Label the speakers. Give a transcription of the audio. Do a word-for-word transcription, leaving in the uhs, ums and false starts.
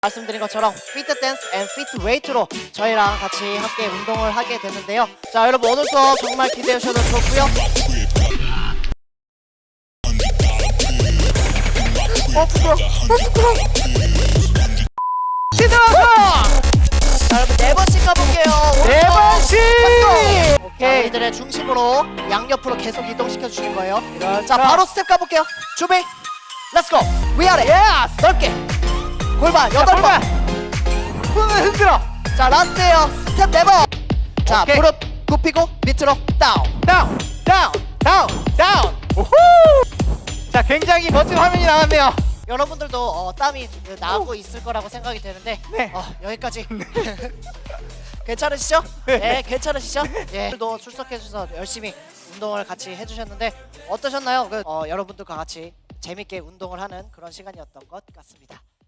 Speaker 1: 말씀드린 것처럼 피트 댄스 앤 피트 웨이트로 저희랑 같이 함께 운동을 하게 됐는데요. 자, 여러분 오늘도 정말 기대해 주셔도 좋고요. 어 부끄러워. 어 부끄러워.
Speaker 2: 시들어서
Speaker 1: 자, 여러분 네 번씩 가볼게요.
Speaker 2: 네 번씩.
Speaker 1: 오케이. 이들의 중심으로 양옆으로 계속 이동시켜 주실 거예요. 자, 바로 스텝 가볼게요. 준비. 렛츠고. 위아래.
Speaker 2: 예스.
Speaker 1: 넓게. 골반 여덟 번.
Speaker 2: 손을 흔들어.
Speaker 1: 자, 라스트에요. 스텝 네 번. 자,
Speaker 2: 오케이.
Speaker 1: 무릎 굽히고 밑으로 다운.
Speaker 2: 다운 다운 다운 다운. 우후. 자, 굉장히 멋진 화면이 나왔네요.
Speaker 1: 여러분들도 어, 땀이 나고 있을 거라고 생각이 되는데
Speaker 2: 네.
Speaker 1: 어, 여기까지. 괜찮으시죠? 네, 괜찮으시죠? 예. 오늘도 출석해 주셔서 열심히 운동을 같이 해주셨는데 어떠셨나요? 그, 어, 여러분들과 같이 재밌게 운동을 하는 그런 시간이었던 것 같습니다.